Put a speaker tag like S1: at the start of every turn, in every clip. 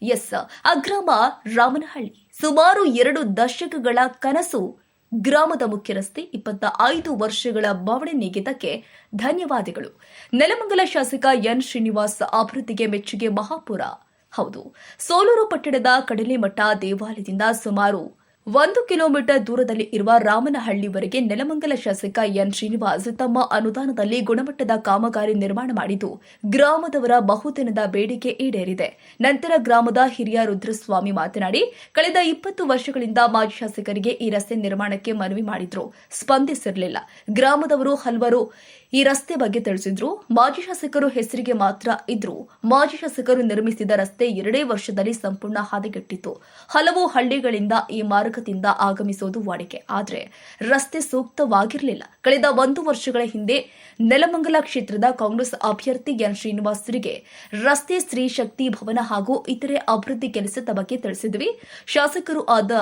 S1: S, ಆ ಗ್ರಾಮ ರಾಮನಹಳ್ಳಿ. ಸುಮಾರು 2 ದಶಕಗಳ ಕನಸು. ಗ್ರಾಮದ ಮುಖ್ಯ ರಸ್ತೆ 25 ವರ್ಷಗಳ ಬವಣೆ ನೀಗಿದ್ದಕ್ಕೆ ಧನ್ಯವಾದಗಳು. ನೆಲಮಂಗಲ ಶಾಸಕ ಎನ್ ಶ್ರೀನಿವಾಸ್ ಅಭಿವೃದ್ಧಿಗೆ ಮೆಚ್ಚುಗೆ ಮಹಾಪುರ. ಹೌದು, ಸೋಲೂರು ಪಟ್ಟಣದ ಕಡಲೆಮಠ ದೇವಾಲಯದಿಂದ ಸುಮಾರು 1 ಕಿಲೋಮೀಟರ್ ದೂರದಲ್ಲಿ ಇರುವ ರಾಮನಹಳ್ಳಿವರೆಗೆ ನೆಲಮಂಗಲ ಶಾಸಕ ಎನ್ ಶ್ರೀನಿವಾಸ್ ತಮ್ಮ ಅನುದಾನದಲ್ಲಿ ಗುಣಮಟ್ಟದ ಕಾಮಗಾರಿ ನಿರ್ಮಾಣ ಮಾಡಿದ್ದು ಗ್ರಾಮದವರ ಬಹುದಿನದ ಬೇಡಿಕೆ ಈಡೇರಿದೆ. ನಂತರ ಗ್ರಾಮದ ಹಿರಿಯ ರುದ್ರಸ್ವಾಮಿ ಮಾತನಾಡಿ, ಕಳೆದ 20 ವರ್ಷಗಳಿಂದ ಮಾಜಿ ಶಾಸಕರಿಗೆ ಈ ರಸ್ತೆ ನಿರ್ಮಾಣಕ್ಕೆ ಮನವಿ ಮಾಡಿದ್ರು, ಸ್ಪಂದಿಸಿರಲಿಲ್ಲ. ಗ್ರಾಮದವರು ಹಲವರು ಈ ರಸ್ತೆ ಬಗ್ಗೆ ತಿಳಿಸಿದ್ರು. ಮಾಜಿ ಶಾಸಕರು ಹೆಸರಿಗೆ ಮಾತ್ರ ಇದ್ರು. ಮಾಜಿ ಶಾಸಕರು ನಿರ್ಮಿಸಿದ ರಸ್ತೆ 2 ವರ್ಷದಲ್ಲಿ ಸಂಪೂರ್ಣ ಹದಗೆಟ್ಟಿತ್ತು. ಹಲವು ಹಳ್ಳಿಗಳಿಂದ ಈ ಮಾರ್ಗದಿಂದ ಆಗಮಿಸುವುದು ವಾಡಿಕೆ. ಆದರೆ ರಸ್ತೆ ಸೂಕ್ತವಾಗಿರಲಿಲ್ಲ. ಕಳೆದ 1 ವರ್ಷಗಳ ಹಿಂದೆ ನೆಲಮಂಗಲ ಕ್ಷೇತ್ರದ ಕಾಂಗ್ರೆಸ್ ಅಭ್ಯರ್ಥಿ ಎನ್ ಶ್ರೀನಿವಾಸರಿಗೆ ರಸ್ತೆ, ಸ್ತ್ರೀ ಶಕ್ತಿ ಭವನ ಹಾಗೂ ಇತರೆ ಅಭಿವೃದ್ಧಿ ಕೆಲಸದ ಬಗ್ಗೆ ತಿಳಿಸಿದ್ವಿ. ಶಾಸಕರು ಆದ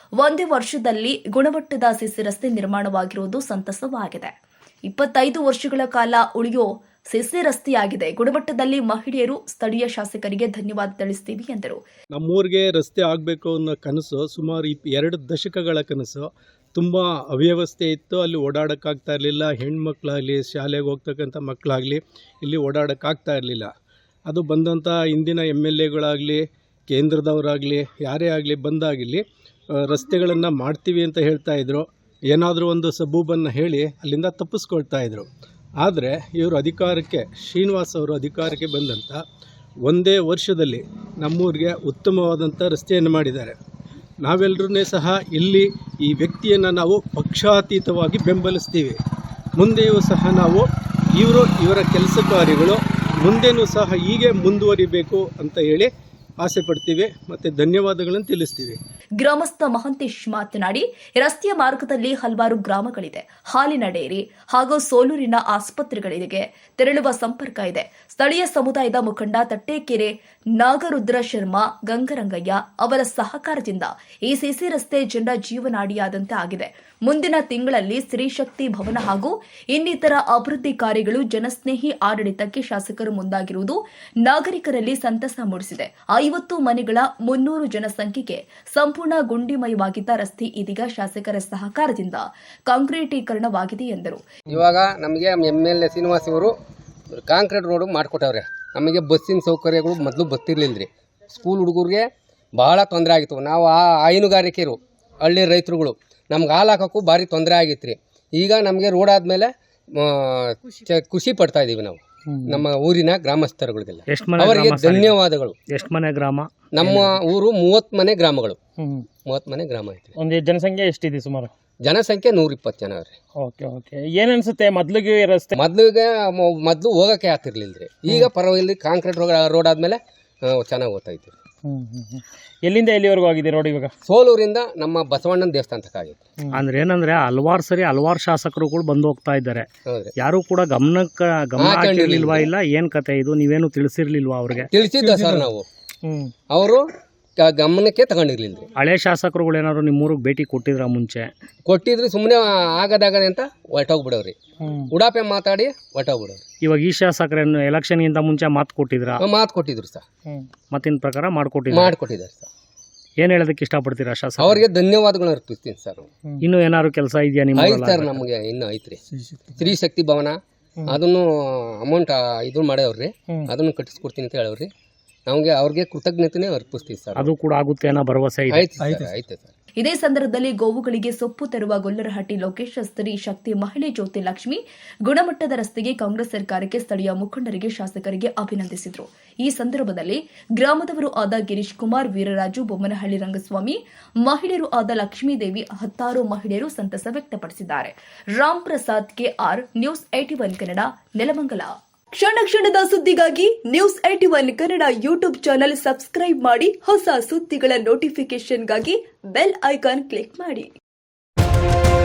S1: 1 ವರ್ಷದಲ್ಲಿ ಗುಣಮಟ್ಟದ ಸಿಸಿ ರಸ್ತೆ ನಿರ್ಮಾಣವಾಗಿರುವುದು ಸಂತಸವಾಗಿದೆ. 25 ವರ್ಷಗಳ ಕಾಲ ಉಳಿಯೋ ಸಿಸಿ ರಸ್ತೆಯಾಗಿದೆ. ಗುಣಮಟ್ಟದಲ್ಲಿ ಮಹಿಳೆಯರು, ಸ್ಥಳೀಯ ಶಾಸಕರಿಗೆ ಧನ್ಯವಾದ ತಿಳಿಸ್ತೀವಿ ಎಂದರು.
S2: ನಮ್ಮೂರಿಗೆ ರಸ್ತೆ ಆಗಬೇಕು ಅನ್ನೋ ಕನಸು ಸುಮಾರು 2 ದಶಕಗಳ ಕನಸು. ತುಂಬ ಅವ್ಯವಸ್ಥೆ ಇತ್ತು. ಅಲ್ಲಿ ಓಡಾಡೋಕ್ಕಾಗ್ತಾ ಇರಲಿಲ್ಲ. ಹೆಣ್ಮಕ್ಳಾಗಲಿ, ಶಾಲೆಗೆ ಹೋಗ್ತಕ್ಕಂಥ ಮಕ್ಕಳಾಗಲಿ ಇಲ್ಲಿ ಓಡಾಡೋಕ್ಕಾಗ್ತಾ ಇರಲಿಲ್ಲ. ಅದು ಬಂದಂಥ ಇಂದಿನ MLAಗಳಾಗಲಿ, ಕೇಂದ್ರದವರಾಗಲಿ, ಯಾರೇ ಆಗಲಿ ಬಂದಾಗಿಲ್ಲಿ ರಸ್ತೆಗಳನ್ನು ಮಾಡ್ತೀವಿ ಅಂತ ಹೇಳ್ತಾಯಿದ್ರು. ಏನಾದರೂ ಒಂದು ಸಬೂಬನ್ನು ಹೇಳಿ ಅಲ್ಲಿಂದ ತಪ್ಪಿಸ್ಕೊಳ್ತಾ ಇದ್ರು. ಆದರೆ ಇವರು ಅಧಿಕಾರಕ್ಕೆ, ಶ್ರೀನಿವಾಸ್ ಅವರು ಅಧಿಕಾರಕ್ಕೆ ಬಂದಂಥ 1 ವರ್ಷದಲ್ಲಿ ನಮ್ಮೂರಿಗೆ ಉತ್ತಮವಾದಂಥ ರಸ್ತೆಯನ್ನು ಮಾಡಿದ್ದಾರೆ. ನಾವೆಲ್ಲರೂ ಸಹ ಇಲ್ಲಿ ಈ ವ್ಯಕ್ತಿಯನ್ನು ನಾವು ಪಕ್ಷಾತೀತವಾಗಿ ಬೆಂಬಲಿಸ್ತೀವಿ. ಮುಂದೆಯೂ ಸಹ ನಾವು ಇವರ ಕೆಲಸ ಕಾರ್ಯಗಳು ಮುಂದೆನೂ ಸಹ ಹೀಗೆ ಮುಂದುವರಿಬೇಕು ಅಂತ ಹೇಳಿ ಆಸೆ ಪಡ್ತೀವಿ ಮತ್ತು ಧನ್ಯವಾದಗಳನ್ನು ತಿಳಿಸ್ತೀವಿ.
S1: ಗ್ರಾಮಸ್ಥ ಮಹಂತೇಶ್ ಮಾತನಾಡಿ, ರಸ್ತೆಯ ಮಾರ್ಗದಲ್ಲಿ ಹಲವಾರು ಗ್ರಾಮಗಳಿದೆ. ಹಾಲಿನ ಡೇರಿ ಹಾಗೂ ಸೋಲೂರಿನ ಆಸ್ಪತ್ರೆಗಳಿಗೆ ತೆರಳುವ ಸಂಪರ್ಕ ಇದೆ. ಸ್ಥಳೀಯ ಸಮುದಾಯದ ಮುಖಂಡ ತಟ್ಟೇಕೆರೆ ನಾಗರುದ್ರ ಶರ್ಮಾ, ಗಂಗರಂಗಯ್ಯ ಅವರ ಸಹಕಾರದಿಂದ ಈ ಸಿಸಿ ರಸ್ತೆ ಜನರ ಜೀವನಾಡಿಯಾದಂತೆ ಆಗಿದೆ. ಮುಂದಿನ ತಿಂಗಳಲ್ಲಿ ಸ್ತ್ರೀಶಕ್ತಿ ಭವನ ಹಾಗೂ ಇನ್ನಿತರ ಅಭಿವೃದ್ಧಿ ಕಾರ್ಯಗಳು ಜನಸ್ನೇಹಿ ಆಡಳಿತಕ್ಕೆ ಶಾಸಕರು ಮುಂದಾಗಿರುವುದು ನಾಗರಿಕರಲ್ಲಿ ಸಂತಸ ಮೂಡಿಸಿದೆ. 50 ಮನೆಗಳ 300 ಜನಸಂಖ್ಯೆಗೆ ಸಂಪೂರ್ಣ ಗುಂಡಿಮಯವಾಗಿದ್ದ ರಸ್ತೆ ಇದೀಗ ಶಾಸಕರ ಸಹಕಾರದಿಂದ ಕಾಂಕ್ರೀಟೀಕರಣವಾಗಿದೆ ಎಂದರು.
S3: ಇವಾಗ ನಮಗೆ MLA ಶ್ರೀನಿವಾಸ್ ಅವರು ಕಾಂಕ್ರೀಟ್ ರೋಡ್ ಮಾಡಿಕೊಟ್ಟವ್ರೆ. ನಮಗೆ ಬಸ್ಸಿನ ಸೌಕರ್ಯಗಳು ಮೊದಲು ಬರ್ತಿರ್ಲಿಲ್ಲ. ಸ್ಕೂಲ್ ಹುಡುಗರಿಗೆ ಬಹಳ ತೊಂದರೆ ಆಗಿತ್ತು. ನಾವು ಹೈನುಗಾರಿಕೆರು, ಹಳ್ಳಿ ರೈತರುಗಳು ನಮ್ಗೆ ಹಾಲು ಹಾಕೋಕ್ಕೂ ಭಾರಿ ತೊಂದರೆ ಆಗಿತ್ತು. ಈಗ ನಮಗೆ ರೋಡ್ ಆದಮೇಲೆ ಖುಷಿ ಪಡ್ತಾ ಇದ್ದೀವಿ ನಾವು, ನಮ್ಮ ಊರಿನ ಗ್ರಾಮಸ್ಥರುಗಳಿಗೆಲ್ಲ ಅವರಿಗೆ ಧನ್ಯವಾದಗಳು.
S4: ಎಷ್ಟು ಮನೆ ಗ್ರಾಮ?
S3: ನಮ್ಮ ಊರು 30 ಮನೆ ಗ್ರಾಮಗಳು. 30 ಮನೆ ಗ್ರಾಮ ಐತೆ.
S4: ಒಂದು ಜನಸಂಖ್ಯೆ ಎಷ್ಟಿದೆ? ಸುಮಾರು
S3: ಜನಸಂಖ್ಯೆ 120 ಜನ ಅವ್ರಿ.
S4: ಓಕೆ. ಏನ್ ಅನ್ಸುತ್ತೆ ಮೊದ್ಲಿಗೆ ರಸ್ತೆ?
S3: ಮೊದಲು ಹೋಗಕ್ಕೆ ಆಗ್ತಿರ್ಲಿಲ್ರಿ. ಈಗ ಪರವಾಗಿಲ್ಲ, ಕಾಂಕ್ರೀಟ್ ರೋಡ್ ಆದ್ಮೇಲೆ ಚೆನ್ನಾಗಿ ಹೋಗ್ತಾ ಇದ್ದೀವಿ.
S4: ಎಲ್ಲಿಂದ ಎಲ್ಲಿವರೆಗೂ ಆಗಿದೆ ರೋಡ್? ಇವಾಗ
S3: ಸೋಲೂರಿಂದ ನಮ್ಮ ಬಸವಣ್ಣನ ದೇವಸ್ಥಾನ ತನಕ ಆಗಿದೆ.
S4: ಅಂದ್ರೆ ಏನಂದ್ರೆ ಹಲವಾರು ಶಾಸಕರುಗಳು ಬಂದು ಹೋಗ್ತಾ ಇದ್ದಾರೆ. ಯಾರು ಕೂಡ ಗಮನ ಹಾಕಿರ್ಲಿಲ್ವಾ? ಇಲ್ಲ ಏನ್ ಕತೆ ಇದು? ನೀವೇನು ತಿಳಿಸಿರ್ಲಿಲ್ವಾ ಅವ್ರಿಗೆ?
S3: ತಿಳಿಸಿದ್ದ ಸರ್ ನಾವು, ಅವರು ಗಮನಕ್ಕೆ ತಗೊಂಡಿರ್ಲಿಲ್ಲ.
S4: ಹಳೆ ಶಾಸಕರುಗಳು ಏನಾದ್ರು ನಿಮ್ಮೂರಿಗೆ ಭೇಟಿ ಕೊಟ್ಟಿದ್ರ? ಮುಂಚೆ
S3: ಕೊಟ್ಟಿದ್ರಿ, ಸುಮ್ಮನೆ ಆಗದಾಗದೆ ಅಂತ ಹೊರಟೋಗ್ಬಿಡವ್ರಿ. ಉಡಾಪೆ ಮಾತಾಡಿ ಹೊರಟೋಗ್ಬಿಡವ್ರಿ.
S4: ಇವಾಗ ಈ ಶಾಸಕರನ್ನು ಎಲೆಕ್ಷನ್ಗಿಂತ ಮುಂಚೆ ಮಾತು
S3: ಕೊಟ್ಟಿದ್ರು ಸರ್.
S4: ಮತ್ತಿನ ಪ್ರಕಾರ ಮಾಡ್ಕೊಟ್ಟಿದ್ದಾರೆ
S3: ಸರ್.
S4: ಏನ್ ಹೇಳೋದಕ್ಕೆ ಇಷ್ಟಪಡ್ತೀರಾ ಶಾಸಕ?
S3: ಅವ್ರಿಗೆ ಧನ್ಯವಾದಗಳನ್ನ ಅರ್ಪಿಸ್ತೀನಿ ಸರ್.
S4: ಇನ್ನು ಏನಾದ್ರು ಕೆಲಸ ಇದೆಯಾ ನಿಮ್ಮ?
S3: ಐತೆ ಸರ್, ನಮಗೆ ಇನ್ನೂ ಐತ್ರಿ. ಸ್ತ್ರೀ ಶಕ್ತಿ ಭವನ ಅದನ್ನು ಅಮೌಂಟ್ ಇದು ಮಾಡ್ಯವ್ರಿ, ಅದನ್ನು ಕಟ್ಟಿಸ್ಕೊಡ್ತೀನಿ ಅಂತ ಹೇಳವ್ರಿ. ನಮಗೆ ಅವ್ರಿಗೆ ಕೃತಜ್ಞತೆನೇ ಅರ್ಪಿಸ್ತೀವಿ ಸರ್.
S4: ಅದು ಕೂಡ ಆಗುತ್ತೆ ಅನ್ನೋ ಭರವಸೆ
S3: ಐತೆ ಸರ್.
S1: ಇದೇ ಸಂದರ್ಭದಲ್ಲಿ ಗೋವುಗಳಿಗೆ ಸೊಪ್ಪು ತರುವ ಗೊಲ್ಲರಹಟ್ಟಿ ಲೋಕೇಶ್, ಸ್ತ್ರೀ ಶಕ್ತಿ ಮಹಿಳೆ ಜ್ಯೋತಿ ಲಕ್ಷ್ಮಿ, ಗುಣಮಟ್ಟದ ರಸ್ತೆಗೆ ಕಾಂಗ್ರೆಸ್ ಸರ್ಕಾರಕ್ಕೆ ಸ್ಥಳೀಯ ಮುಖಂಡರಿಗೆ, ಶಾಸಕರಿಗೆ ಅಭಿನಂದಿಸಿದರು. ಈ ಸಂದರ್ಭದಲ್ಲಿ ಗ್ರಾಮದವರು ಆದ ಗಿರೀಶ್ ಕುಮಾರ್, ವೀರರಾಜು, ಬೊಮ್ಮನಹಳ್ಳಿ ರಂಗಸ್ವಾಮಿ, ಮಹಿಳೆಯರು ಆದ ಲಕ್ಷ್ಮೀದೇವಿ, 10 ಮಹಿಳೆಯರು ಸಂತಸ ವ್ಯಕ್ತಪಡಿಸಿದ್ದಾರೆ. Ram Prasad KR, news 81 Kannada, Nelamangala. ಕ್ಷಣದ ಸುದ್ದಿಗಾಗಿ news 81 Kannada YouTube channel subscribe ಮಾಡಿ. ಹೊಸ ಸುದ್ದಿಗಳ ನೋಟಿಫಿಕೇಶನ್ಗಾಗಿ ಬೆಲ್ ಐಕಾನ್ ಕ್ಲಿಕ್ ಮಾಡಿ.